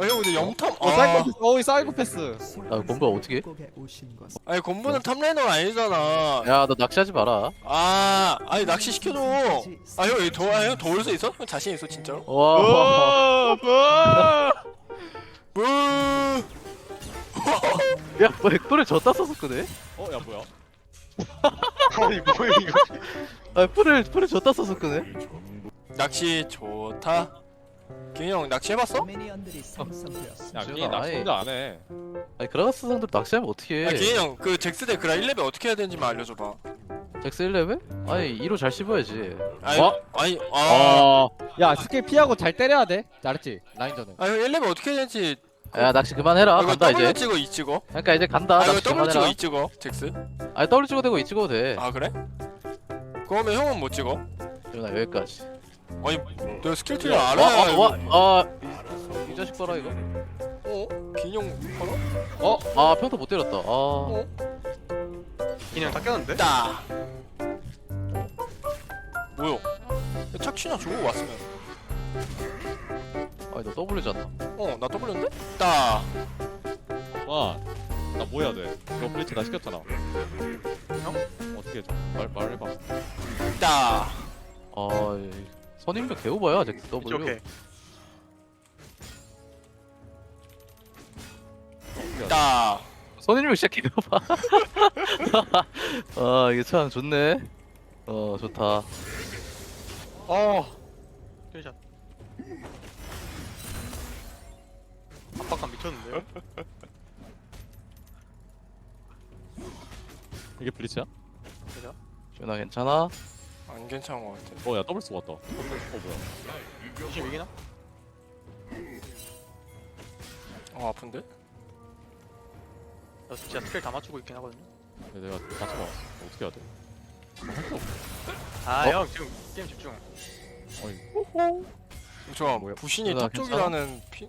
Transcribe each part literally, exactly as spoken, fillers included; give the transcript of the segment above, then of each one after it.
아, 형 근데 염탐. 어 아, 사이코패스. 어이 사이코패스. 아 곰보야 어떻게? 아니 곰보는 탑라이너가 아니잖아. 야 너 낚시하지 마라. 아, 아니 낚시 시켜줘. 아, 형 여기 더, 아, 형 도울 수 있어? 형 자신 있어 진짜로? 와. 뭐? 야 뭐 엑도를 졌다 써서 끄네? 어야 뭐야? 아니 뭐야 이거. 아 풀을 풀을 졌다 써서 끄네? 낚시 좋다. 기훈이 형 낚시 해봤어? 야 지훈아, 니 낚시 아예- 혼자 안 해. 아니 그라가스 상대로 낚시하면 야, 어떡해? 기훈이 형 그 잭스 대 그라 일 레벨 어떻게 해야 되는지만 알려줘봐. 잭스 일 레벨? 아니 이로 잘 씹어야지. 아니, 어? 아니, 아, 야 스킬 피하고 잘 때려야 돼. 잘했지. 라인전은. 아, 형 일 레벨 어떻게 해야 되는지. 야 낚시 그만해라. 아, 이거 간다 W 이제. 찍어, E 찍어. 그러니까 이제 간다. 아, 이거 낚시 W 찍어, 그만해라. E 찍어. 잭스. 아니 W 찍어도 되고 E 찍어도 돼. 아, 그래? 그러면 형은 못 찍어? 지훈아 여기까지. 아니, 내가 스킬 트리 알아. 와, 와, 와, 아, 이, 이 자식 봐라 이거. 어? 기훈이 형 봐라. 어, 아 평타 못 때렸다. 아, 어? 그냥 다 깼는데? 따. 뭐야? 착취나 주고 왔으면. 아니 너 W잖아. 어, 나 W인데? 따. 와. 나 뭐 해야 돼? 너 블리츠 나 시켰잖아. 형? 어떻게 해줘? 말 말해봐. 따. 아, 이 선임력 개오바야 잭스 이제 W. 오케이. 따. 선임력 진짜 개오바. 아 이게 참 좋네. 어 좋다. 어. 괜찮. 압박감 미쳤는데요? 이게 블리츠야? 지훈아 괜찮아? 안 괜찮은 것 같아. 어야 더블 스 왔다. 어 뭐야? 지금 이기나? 어, 아픈데? 나 진짜 스킬 다 맞추고 있긴 하거든요. 야, 내가 맞춰봐. 어떻게 해야 돼? 아 어? 형 지금 게임 집중. 아니 저 뭐야? 부신이 누나, 탑 쪽이라는 피...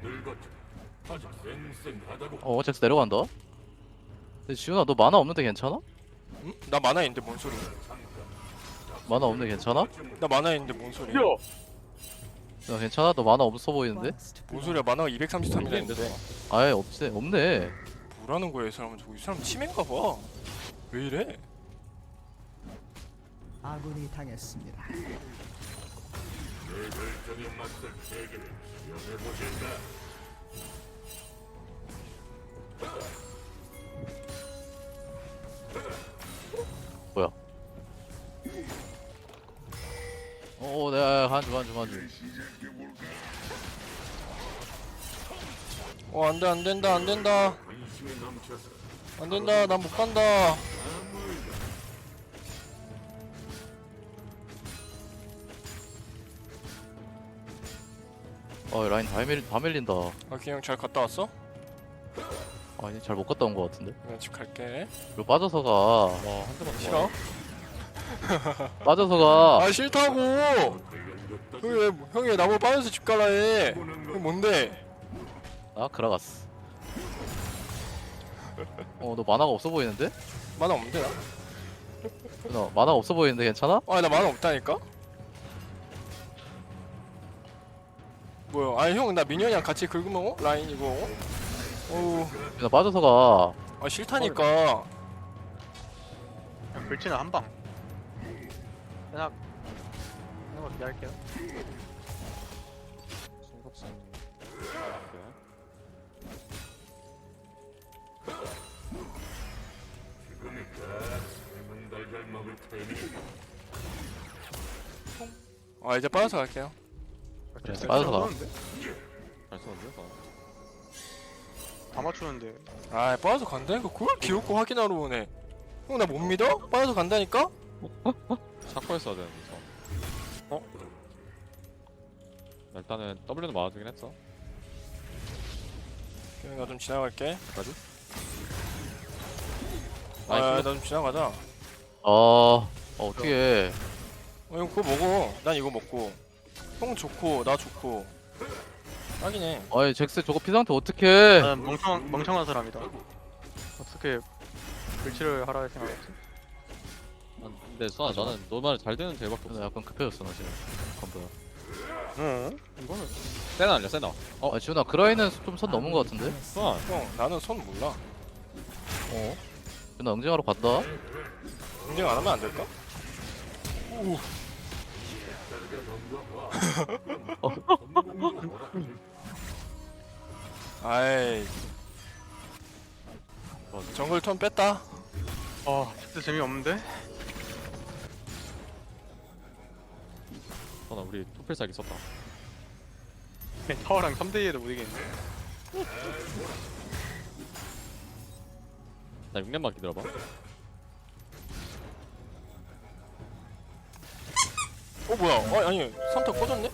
어 잭스 내려간다. 근데 지훈아 너 만화 없는데 괜찮아? 응? 나 만화 있는데 뭔 소리? 만화 없는데 괜찮아? 나 만화 있는데 뭔 소리? 야. 너 괜찮아? 너 만화 없어 보이는데? 뭔 소리야? 만화가 이백삼십삼이나 이게 안 있는데. 됐어. 아예 없지 없네. 뭐라는 거야, 이 사람은? 저이 사람 치매인가 봐. 왜 이래? 아군이 당했습니다. 뭐야? 어, 내가 한주 한주 한주. 어, 안 돼, 안 된다, 안 된다. 안 된다, 난 못 간다. 어 라인 다 밀, 다 밀린다. 아, 그냥 잘 갔다 왔어? 아니 잘 못 갔다 온 거 같은데. 그냥 집 갈게. 이거 빠져서가 와한 대만 더. 싫어? 빠져서가 아, 싫다고! 형이 왜, 형이 왜 나보고 빠져서 집 가라 해? 형 뭔데? 아 그라가스. 어 너 만화가 없어 보이는데? 만화 없는데, 나? 너 만화가 없어 보이는데 괜찮아? 아, 나 만화 없다니까? 뭐야? 아니, 형, 나 미니언이랑 같이 긁으면, 어? 라인 이거, 어? 어우, 나 빠져서가 아, 싫다니까. 그냥 불치는 한 방. 그냥 그냥 기다릴게요. 송갑산. 아, 이제 빠져서 갈게요. 그래, 스킬 빠져서 가. 쏘는데? 잘 썼는데? 나. 다 맞추는데. 아, 빠져서 간다니까? 그걸 기웃고 확인하러 오네. 형, 나 못 믿어? 빠져서 간다니까? 샤코 했어야 되는데 저. 어? 나 일단은 W는 맞아주긴 했어. 그냥 나 좀 지나갈게. 여기까지. 아, 나이스. 나 좀 지나가자. 어, 어 어떻게? 어, 형 그거 먹어. 난 이거 먹고. 형 좋고, 나 좋고. 딱이네. 아니 잭스 저거 피 상태 어떻게? 나는 멍청 멍청한 사람이다. 어떻게 불치를 하라 생각했지? 난- 근데 수아 나는 너 말 잘 되는 제일밖에 없어. 나 약간 급해졌어 나 지금. 건보야. 응. 이거는 세나 아니야 세나. 어 아 지훈아 그라인은 좀 선 넘은 거 같은데? 수환. 형 나는 손 몰라. 어? 지훈아 응징하러 간다. 인증 안 하면 안 될까? 오. 아이. 정글 턴 뺐다. 아 진짜 재미없는데? 수환아 우리 투필살기 썼다. 타워랑 삼 대 이에도 못 이기는데. 나 육 년만 기다려봐. 어 뭐야? 어 아니 삼타 꺼졌네?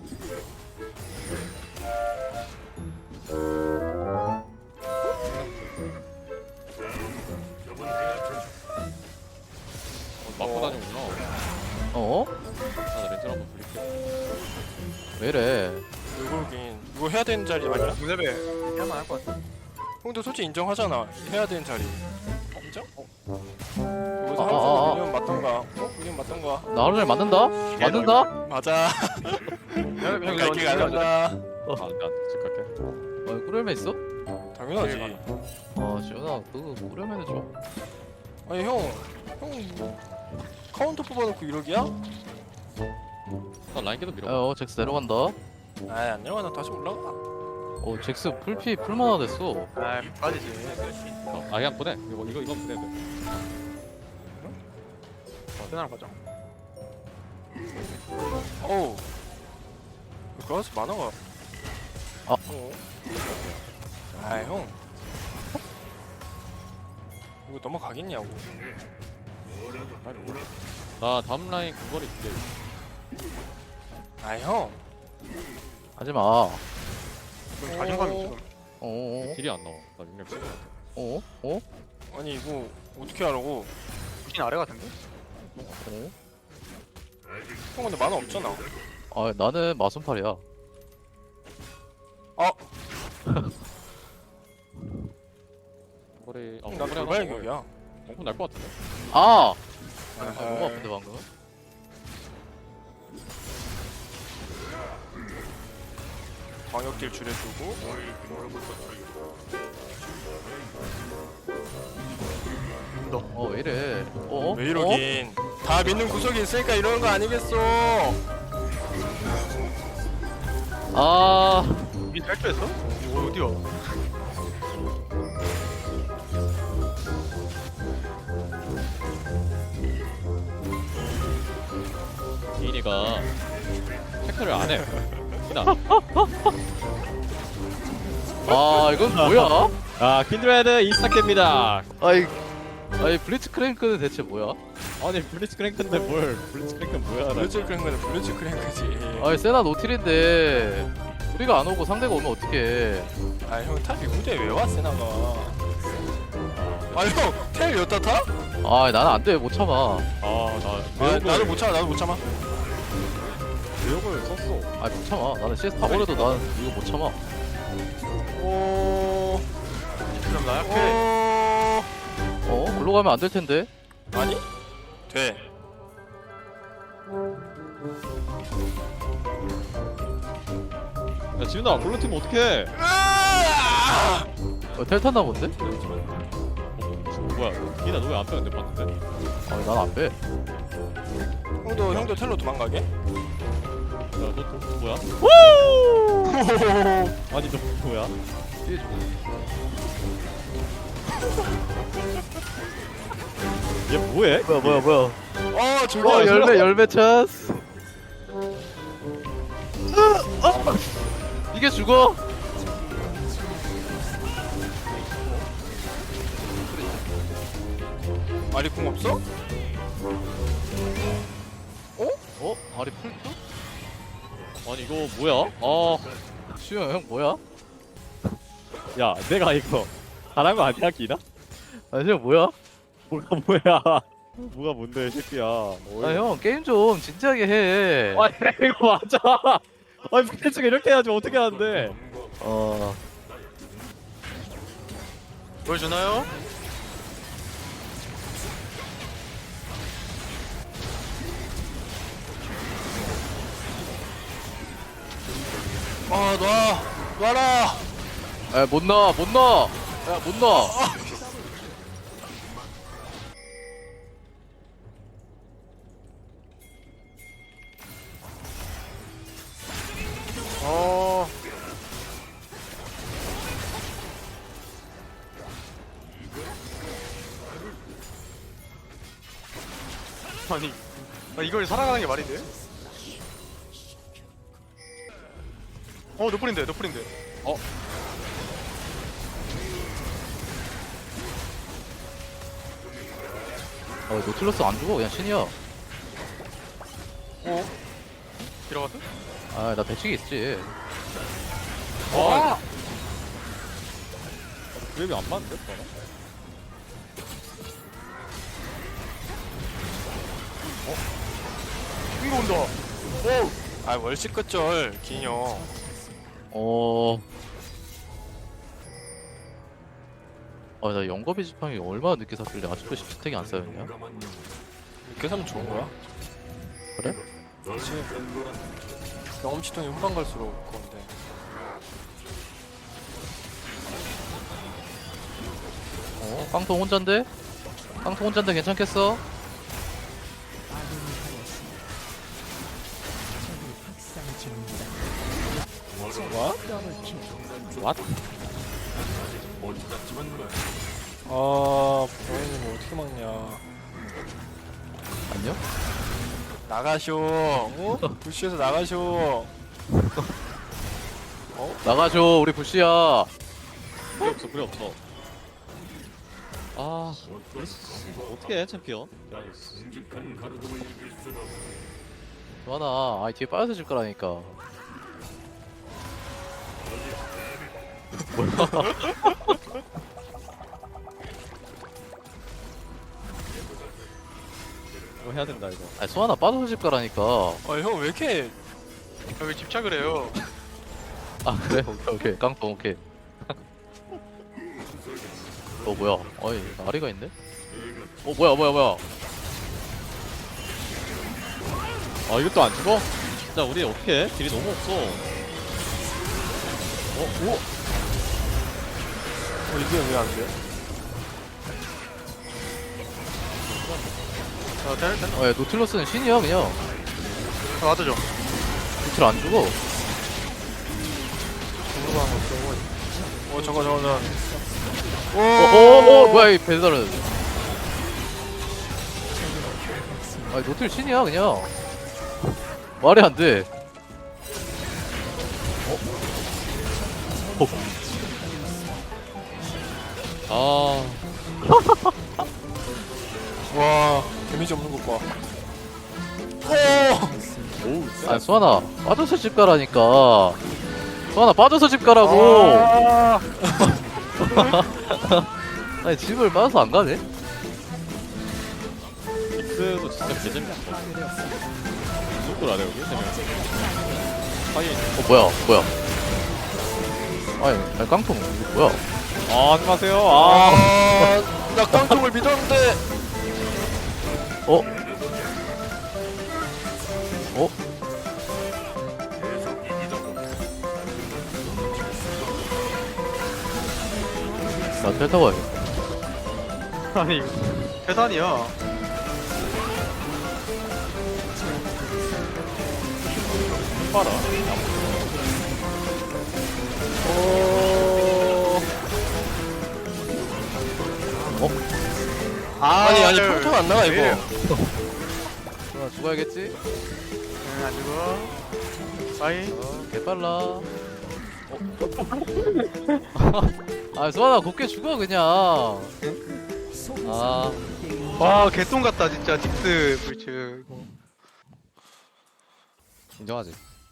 어, 맞고 다니구나. 어? 아, 나 렌즈 한번 돌릴게. 왜 이래? 이거긴 이거 해야 되는 자리 아니야? 문협에 해야만 할 것 같아. 형도 솔직히 인정하잖아. 해야 되는 자리. 인정? 여기서 아, 한 아, 아. 번 밀리면 맞던가. 어? 밀리면 맞던가. 나 하루를 맞는다? 맞는다? 맞아. 형 이거 갈게 어떻게 갈란다. 아, 나집 갈게. 어 꿀열매 있어? 당연하지. 아 지훈아 그거 꿀열매는 좀 아니 형, 형 카운터 뽑아놓고 이러기야? 나 라인 계속 밀어. 어 잭스 내려간다. 아이 안 내려가. 나 다시 올라가. 어 잭스 풀피 풀만화 됐어. 아 빠지지. 어, 아 그냥 보내. 이거 이거 이거 보내야 돼. 세나랑 가자. 어우. 그라스 만화가. 아. 어. 아 형. 이거 넘어가겠냐고. 나 다음 라인 근거리 줄게. 아 형. 하지마. 좀 자신감이 지금. 어어어? 딜이 안 나와. 나 육 년 찍어. 어? 어? 아니 이거 어떻게 하라고? 부신 아래 같은데? 어? 형 근데 만화 없잖아. 아 나는 마순팔이야. 아, 근거리. 아, 나 근거리 하나 돌발격이야. 엉큼 날것 같은데. 아! 아 아하. 너무 아픈데 방금? 광역딜 줄여주고. 어 왜 이래? 어? 왜 이러긴. 다 믿는 구석이 있으니까 이러는 거 아니겠어. 어? 아 이 탈출했어? 이거 어디야? 기인이가 체크를 안 해. 기나. 아 이건 뭐야? 아 킨드레드 이스타입니다. 아이 아이 블리츠 크랭크는 대체 뭐야? 아니 블리츠 크랭크인데 뭘? 블리츠 크랭크 뭐야? 나 블루츠 크랭크는 블루츠 크랭크지. 아이 세나 노틸인데 우리가 안 오고 상대가 오면 어떡해? 아 형 탑이 무대에 왜 왔어 나가. 아형텔 여따 타? 아 나는 안돼 못 참아. 아나 아 나도 못 참아 나도 못 참아. 내용을 썼어. 아 못 참아. 나는 씨에스 다 버려도 난 이거 못 참아. 오. 그럼 나 약해. 오. 어? 글로 가면 안 될 텐데. 아니? 돼. 야 지훈아 골로 팀 어떡해? 으아! 어, 텔 탔나 본데? 어, 뭐야? 기인아 너 왜 안 빼는데 봤는데? 아니 난 안 빼. 형도 형도 텔로 도망가게? 야너 도, 뭐야? 아니 너 뭐야? 뒤에 좀. 얘 뭐해? 뭐야 뭐야 뭐야. 어 저기 어 열매 열매 찬스. 아, 이게 죽어? 아리 궁 없어? 어? 아리 풀도? 아니 이거 뭐야? 아, 수영 형 뭐야? 야 내가 이거 잘한 거 아니야 기나? 아니 형 뭐야? 뭐가 뭐야? 뭐가 뭔데 이 새끼야? 아 형 게임 좀 진지하게 해. 아니 이거 맞아. 아니 플래츠가 이렇게 해야지 어떻게 하는데? 어. 보여주나요? 아 놔. 놔라. 야, 못 넣어, 못 넣어. 야, 못 넣어. 어. 아니, 아, 이걸 살아가는 게 말이 돼? 어, 노플인데, 노플인데. 어? 어, 노틸러스 안 죽어, 그냥 신이야. 어? 들어갔어? 아, 나 배치기 있지. 와! 그랩이 안 맞는데? 너는? 이거 온다. 아 월식 끝절 기녀. 어. 아, 나 영겁이 지팡이 얼마나 늦게 샀길래 아직도 십스택이 안 쌓였냐? 이렇게 사면 좋은 거야? 그래? 그렇지. 경험치통이 후반 갈수록 그건데. 어? 깡통 혼잔데? 깡통 혼잔데 괜찮겠어? 아군이 당했습니다. 적이 학살 중입니다. 와? 더블킬. 왓? 아 브라이님 어떻게 막냐. 안녕? 나가쇼. 어? 부시에서 나가쇼. 나가줘, 우리 부시야. 필요 없어, 필요 없어. 아, 어떻게 해, 챔피언? 좋아나, 아이 뒤에 빠져서 질 거라니까. 이거 해야 된다, 이거. 아니, 소하나 빠져서 질 거라니까. 아형 왜 이렇게 아, 왜 집착을 해요? 아, 그래? 오케이, 오케이. 깡통, 오케이. 어, 뭐야. 어이, 아리가 있네? 어, 뭐야, 뭐야, 뭐야. 아, 이것도 안 죽어? 진짜 우리 어떻게 해? 딜이 너무 없어. 어, 오? 어 이게 왜 안 돼? 아, 될, 될. 어, 야, 노틸러스는 신이야, 그냥. 아, 맞아죠. 노틸 안 죽어. 궁금한 거 없어. 어 저거 저거 저거. 어, 어, 어, 뭐야, 이 배달은. 아니, 노틸 신이야, 그냥. 말이 안 돼. 어? 어. 아, 와 데미지 없는 것 봐. 오. 오우, 아, 수아나, 빠져서 집 가라니까. 수아나, 빠져서 집 가라고. 아. 아니, 집을 빠져서 안 가네? 믹스도 진짜 개재밌어. 파괴되었습니다. 누굴 안 해, 여기? 세 명. 하이. 어, 뭐야, 뭐야. 아니, 아니 깡통, 이거 뭐야. 아, 하지 마세요. 아. 아, 나 깡통을 믿었는데. 어? 어? 나 텔 타고 와야겠다. 아니, 계산이야. 봐라. 오. 어? 아, 아니 아니 네. 평통 안 나가 이거. 왜? 수아나 죽어야겠지? 응, 안 죽어. 빠이. 어, 개빨라. 어? 아, 수아나 곱게 죽어, 그냥. 아, 와, 개똥 같다, 진짜. 딕스 불츠. 이거. 인정하지.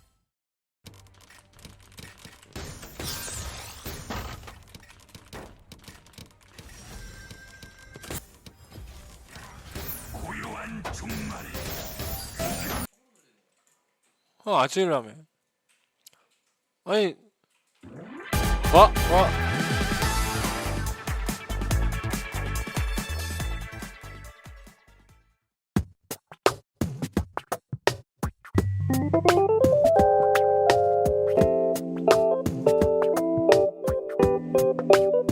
어 아찔라며. 아니 와! 와. 돼.